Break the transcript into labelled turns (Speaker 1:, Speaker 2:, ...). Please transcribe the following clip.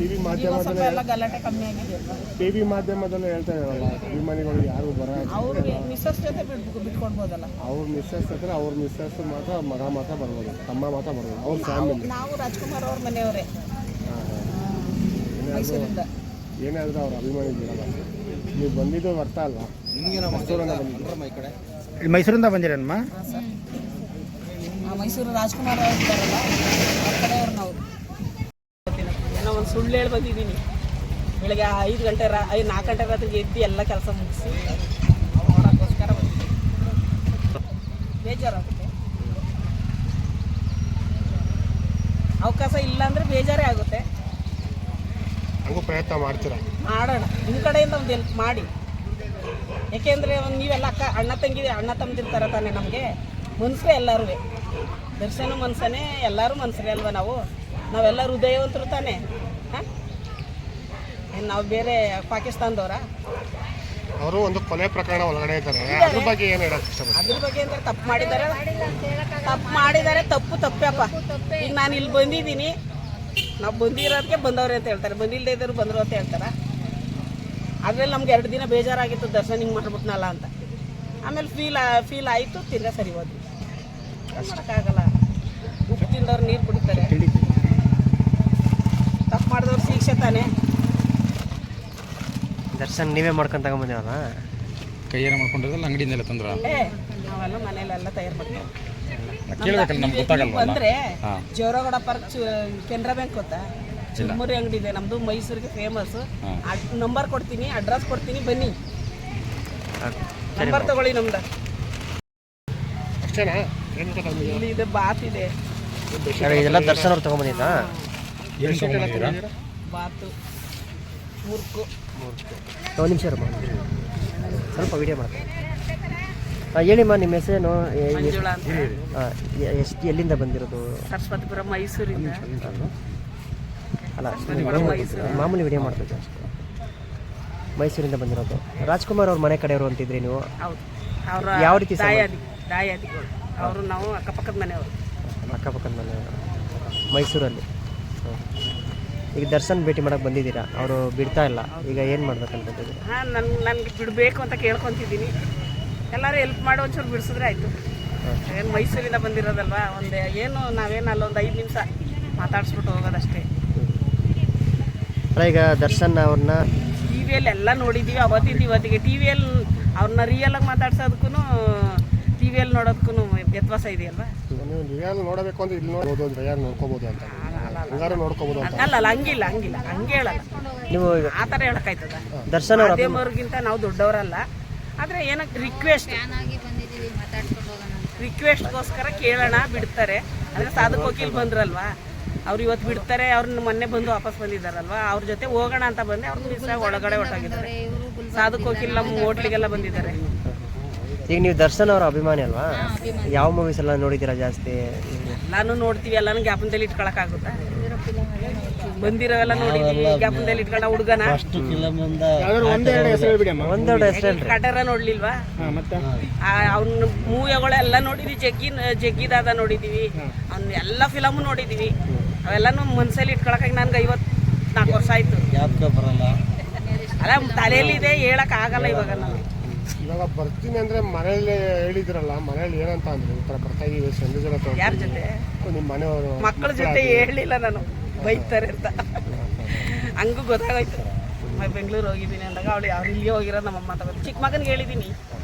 Speaker 1: TV ಮಾಧ್ಯಮದಲ್ಲಿ
Speaker 2: ಎಲ್ಲ ಗಲಾಟೆ ಕಮ್ಮಿ ಆಗಿದೆ.
Speaker 1: ಟಿವಿ ಮಾಧ್ಯಮದಲ್ಲೇ ಹೇಳ್ತಾ ಇದಾರಲ್ಲ, ಅಭಿಮಾನಿಗಳು ಯಾರು
Speaker 2: ಅವ್ರಿಗೆ ಮಿಸ್ಸಸ್ ಜೊತೆ ಬಿಟ್ಕೊಡ್ಬೋದಲ್ಲ.
Speaker 1: ಅವ್ರ ಮಿಸ್ಸಸ್ ಹತ್ರ ಅವ್ರ ಮಿಸ್ಸಸ್ ಮಾತ್ರ ಮಗ ಮಾತ್ರ ಬರ್ಬೋದು, ತಮ್ಮ ಮಾತ್ರ ಬರ್ಬೋದು. ಅವ್ರ ಫ್ಯಾಮಿಲಿ
Speaker 2: ನಾವು ರಾಜ್ಕುಮಾರ್ ಅವ್ರ ಮನೆಯವರೇ ಮೈಸೂರಿಂದ.
Speaker 1: ಏನಾದರೂ ಅವ್ರ ಅಭಿಮಾನಿ ಬಿಡಲ್ಲ. ನೀವು ಬಂದಿದ್ದು ಅರ್ಥ ಅಲ್ವಾ?
Speaker 3: ಮೈಸೂರಿಂದ ಬಂದಿರಮ್ಮ?
Speaker 2: ಮೈಸೂರು ರಾಜ್ಕುಮಾರ್ ಅವ್ರು ಇದ್ದಾರಲ್ಲ, ಅವ್ರ ಕಡೆಯವ್ರು ನಾವು. ಏನೋ ಒಂದು ಸುಳ್ಳು ಹೇಳಿ ಬಂದಿದ್ದೀನಿ. ಬೆಳಗ್ಗೆ 4 ಗಂಟೆ ರಾತ್ರಿಗೆ ಎದ್ದು ಎಲ್ಲ ಕೆಲಸ ಮುಗಿಸಿ ನೋಡೋಕ್ಕೋಸ್ಕರ ಬಂದಿದ್ದೀನಿ. ಬೇಜಾರಾಗುತ್ತೆ. ಅವಕಾಶ ಇಲ್ಲ ಅಂದರೆ ಬೇಜಾರೇ ಆಗುತ್ತೆ.
Speaker 1: ಹಂಗೂ ಪ್ರಯತ್ನ ಮಾಡ್ತೀರಾ?
Speaker 2: ಮಾಡೋಣ, ನಿಮ್ಮ ಕಡೆಯಿಂದ ಒಂದು ಹೆಲ್ಪ್ ಮಾಡಿ. ಯಾಕೆಂದರೆ ನೀವೆಲ್ಲ ಅಣ್ಣ ತಮ್ಮದಿರ್ತಾರೆ ತಾನೆ. ನಮಗೆ ಮನ್ಸರೇ ಎಲ್ಲರೂ. ದರ್ಶನ ಮನ್ಸನೇ, ಎಲ್ಲರೂ ಮನ್ಸರೇ ಅಲ್ವಾ ನಾವೆಲ್ಲ ಹೃದಯವಂತರು ತಾನೆ. ಹಾಂ, ನಾವು ಬೇರೆ ಪಾಕಿಸ್ತಾನದವರ?
Speaker 1: ಅವರು ಒಂದು ಕೊಲೆ ಪ್ರಕರಣ ಒಳಗಡೆ ಇದ್ದಾರೆ. ಅದ್ರ ಬಗ್ಗೆ ಏನು ಹೇಳಕ್ಕೆ ಇಷ್ಟಪಡ್ತೀನಿ?
Speaker 2: ಅದ್ರ ಬಗ್ಗೆ ಅಂದರೆ ತಪ್ಪು ಮಾಡಿದ್ದಾರೆ. ತಪ್ಪಪ್ಪ. ಈಗ ನಾನು ಇಲ್ಲಿ ಬಂದಿದ್ದೀನಿ, ನಾವು ಬಂದಿರೋದಕ್ಕೆ ಬಂದವ್ರೆ ಅಂತ ಹೇಳ್ತಾರೆ, ಬಂದಿಲ್ಲದೆ ಇದ್ದರು ಬಂದರು ಅಂತ ಹೇಳ್ತಾರೆ. ಆದ್ಮೇಲೆ ನಮ್ಗೆ 2 ದಿನ ಬೇಜಾರಾಗಿತ್ತು, ದರ್ಶನ ಹಿಂಗೆ ಮಾಡ್ಬಿಟ್ನಲ್ಲ ಅಂತ. ಆಮೇಲೆ ಫೀಲ್ ಆಯಿತು, ತಿರ್ಗಾ ಸರಿ ಹೋದ್ವಿ. ಮಾಡೋಕ್ಕಾಗಲ್ಲ. ಉಪ್ಪು ತಿಂದವ್ರು ನೀರು ಕುಡಿತಾರೆ. ತಪ್ಪು ಮಾಡಿದವ್ರು ಶಿಕ್ಷೆ ತಾನೆ.
Speaker 4: ದರ್ಶನ್ ನೀವೇ ಮಾಡ್ಕೊಂಡು ತಗೊಂಬಂದಿರಲ್ಲ?
Speaker 3: ಕೈಯಾರ ಮಾಡ್ಕೊಂಡಿರಲ್ಲ, ಅಂಗಡಿಯಿಂದೆಲ್ಲ ತಂದ್ರ?
Speaker 2: ನಾವೆಲ್ಲ ಮನೇಲೆಲ್ಲ ತಯಾರು ಮಾಡ್ತೀವಿ.
Speaker 3: ಕೇಳಬೇಕಲ್ಲ, ನಮ್ಗೆ ಗೊತ್ತಾಗಲ್ಲ.
Speaker 2: ಬಂದರೆ ಜೋರಗೌಡ ಪಾರ್ಕ್ ಕೆನರಾ ಬ್ಯಾಂಕ್ ಗೊತ್ತಾ? ಚುಮ್ಮರಿ ಅಂಗಡಿ ಇದೆ ನಮ್ಮದು, ಮೈಸೂರಿಗೆ ಫೇಮಸ್. ನಂಬರ್ ಕೊಡ್ತೀನಿ, ಅಡ್ರೆಸ್ ಕೊಡ್ತೀನಿ, ಬನ್ನಿ. ನಂಬರ್ ತಗೊಳ್ಳಿ ನಮ್ದು.
Speaker 1: ಅಷ್ಟೇನಾ?
Speaker 2: ಇಲ್ಲಿ ಇದೆ, ಬಾತ್ ಇದೆ.
Speaker 4: ಇದೆಲ್ಲ ದರ್ಶನ್ ಅವ್ರು ತಗೊಂಬಂದಿದ್ದಾ?
Speaker 2: ಬಾತು, ಮುರ್ಕು.
Speaker 4: ಒಂದು ನಿಮಿಷ ಇರಮ್ಮ, ಸ್ವಲ್ಪ ವಿಡಿಯೋ ಮಾಡ್ತೀನಿ. ಹೇಳಿಮ್ಮ, ನಿಮ್ಮ ಹೆಸರೇನು?
Speaker 2: ಮಂಜುಳಾ ಅಂತ.
Speaker 4: ಎಲ್ಲಿಂದ ಬಂದಿರೋದು?
Speaker 2: ಸರಸ್ವತಿಪುರ, ಮೈಸೂರಿಂದ.
Speaker 4: ಅಲ್ಲ, ಮಾಮೂಲಿ ವಿಡಿಯೋ ಮಾಡ್ಬೇಕು. ಮೈಸೂರಿಂದ ಬಂದಿರೋದು. ರಾಜ್ಕುಮಾರ್ ಅವ್ರ ಮನೆ ಕಡೆಯವರು ಅಂತಿದ್ರಿ ನೀವು?
Speaker 2: ಹೌದು. ಅವರ
Speaker 4: ಯಾವ ರೀತಿ?
Speaker 2: ದಾಯಾದಿಗಳು ಅವರು. ನಾವು ಅಕ್ಕಪಕ್ಕದ ಮನೆಯವರು.
Speaker 4: ಅಕ್ಕಪಕ್ಕದ ಮನೆಯವರು ಮೈಸೂರಲ್ಲಿ. ಈಗ ದರ್ಶನ್ ಭೇಟಿ ಮಾಡಕ್ಕೆ ಬಂದಿದ್ದೀರಾ, ಅವರು ಬಿಡ್ತಾ ಇಲ್ಲ. ಈಗ ಏನು ಮಾಡ್ಬೇಕಂತಿದ್ದೀರಿ?
Speaker 2: ಹಾಂ, ನನಗೆ ಬಿಡಬೇಕು ಅಂತ ಕೇಳ್ಕೊತಿದ್ದೀನಿ. ಎಲ್ಲರೂ ಹೆಲ್ಪ್ ಮಾಡಿ ಒಂಚೂರು ಬಿಡಿಸಿದ್ರೆ ಆಯಿತು. ಏನು ಮೈಸೂರಿಂದ ಬಂದಿರೋದಲ್ವಾ, ನಾವೇನು ಅಲ್ಲೊಂದು 5 ನಿಮಿಷ ಮಾತಾಡಿಸ್ಬಿಟ್ಟು ಹೋಗೋದಷ್ಟೇ.
Speaker 4: ಈಗ ದರ್ಶನ್ ಅವ್ರನ್ನ
Speaker 2: ಟಿವಿಯಲ್ಲಿ ಎಲ್ಲ ನೋಡಿದ್ದೀವಿ, ಅವತ್ತಿಂದ ಇವತ್ತಿಗೆ. ಟಿವಿಯಲ್ಲಿ ಅವ್ರನ್ನ ರಿಯಲಾಗಿ ಮಾತಾಡ್ಸೋದಕ್ಕೂ ಟಿವಿಯಲ್ಲಿ ನೋಡೋದಕ್ಕೂ ವ್ಯತ್ಯಾಸ ಇದೆಯಲ್ವಾ?
Speaker 1: ನೀವು ರಿಯಲ್ ನೋಡಬೇಕು ಅಂದ್ರೆ ಇಲ್ಲಿ ನೋಡ್ಬೋದು, ರಿಯಲ್ ನೋಡ್ಕೋಬೋದು ಅಂತ. ನೋಡ್ಕೋಬೋದು ಅಂತ
Speaker 2: ಅಲ್ಲ, ಹಂಗಿಲ್ಲ, ಹಂಗೆ ಹೇಳಲ್ಲ.
Speaker 4: ನೀವು
Speaker 2: ಆ ಥರ ಹೇಳೋಕ್ಕಾಯ್ತದ?
Speaker 4: ದರ್ಶನ್
Speaker 2: ಮಾಧ್ಯಮವ್ರಿಗಿಂತ ನಾವು ದೊಡ್ಡವರಲ್ಲ. ಆದರೆ ಏನಕ್ಕೆ ರಿಕ್ವೆಸ್ಟ್ಗೋಸ್ಕರ ಕೇಳೋಣ, ಬಿಡ್ತಾರೆ. ಅಂದರೆ ಸಾಧಕ್ ವಕೀಲ್ ಬಂದ್ರಲ್ವಾ, ಅವ್ರು ಇವತ್ತು ಬಿಡ್ತಾರೆ. ಅವ್ರನ್ನ ಮೊನ್ನೆ ಬಂದು ವಾಪಸ್ ಬಂದಿದ್ದಾರಲ್ವಾ, ಅವ್ರ ಜೊತೆ ಹೋಗೋಣ ಅಂತ ಬಂದೆ. ಅವ್ರು ಮಿಸ್ ಒಳಗಡೆ ಹೊರಟಾಗಿದ್ದಾರೆ. ಸಾಧಕ್ ವಕೀಲ್ ನಮ್ಮ ಹೋಟ್ಲಿಗೆಲ್ಲ ಬಂದಿದ್ದಾರೆ.
Speaker 4: ಈಗ ನೀವು ದರ್ಶನ್ ಅವರ ಅಭಿಮಾನಿ ಅಲ್ವಾ? ಯಾವ ಮೂವೀಸ್ ಎಲ್ಲ ನೋಡಿದ್ದೀರಾ ಜಾಸ್ತಿ?
Speaker 2: ಎಲ್ಲಾನು ನೋಡ್ತೀವಿ, ಎಲ್ಲಾನು ಜ್ಞಾಪನದಲ್ಲಿ ಇಟ್ಕೊಳಕ್ಕಾಗುತ್ತಾ? ಬಂದಿರೋವೆಲ್ಲ ನೋಡಿದೀವಿ, ಜ್ಞಾಪನದಲ್ಲಿ ಇಟ್ಕೊಂಡ ಹುಡುಗನ.
Speaker 4: ಒಂದೆರಡು ಹೆಸರು
Speaker 2: ಕಟರ ನೋಡ್ಲಿಲ್ವಾ? ಅವ್ನ ಮೂವಿಗಳೆಲ್ಲ ನೋಡಿದ್ವಿ. ಜಗ್ಗಿದಾದ ನೋಡಿದೀವಿ, ಅವ್ನ ಎಲ್ಲ ಫಿಲಮು ನೋಡಿದೀವಿ. ಅವೆಲ್ಲಾನು ಮನ್ಸಲ್ಲಿ ಇಟ್ಕೊಳಕ್ಕಾಗಿ ನನ್ಗೆ 54 ವರ್ಷ ಆಯ್ತು. ಅಲ್ಲ, ತಲೆಯಲ್ಲಿದೆ, ಹೇಳಕ್ ಆಗಲ್ಲ ಇವಾಗ. ನಾನು
Speaker 1: ಇವಾಗ ಬರ್ತೀನಿ ಅಂದ್ರೆ ಮನೇಲಿ ಹೇಳಿದ್ರಲ್ಲ, ಮನೇಲಿ ಏನಂತ ಅಂದ್ರೆ ಈ ಥರ ಬರ್ತಾ ಇದೀವಿ ಸಂಜೆ?
Speaker 2: ಯಾರ ಜೊತೆ?
Speaker 1: ನಿಮ್ಮ ಮನೆಯವರು
Speaker 2: ಮಕ್ಕಳ ಜೊತೆ ಹೇಳಿಲ್ಲ ನಾನು, ಬೈತಾರೆ ಅಂತ. ಹಂಗೂ ಗೊತ್ತಾಗೋಯ್ತು. ಬೆಂಗಳೂರು ಹೋಗಿದ್ದೀನಿ ಅಂದಾಗ ಅವ್ರು ಇಲ್ಲಿಗೆ ಹೋಗಿರೋದು ನಮ್ಮಮ್ಮ ತಗೋದು. ಚಿಕ್ಕ ಮಗನಿಗೆ ಹೇಳಿದ್ದೀನಿ,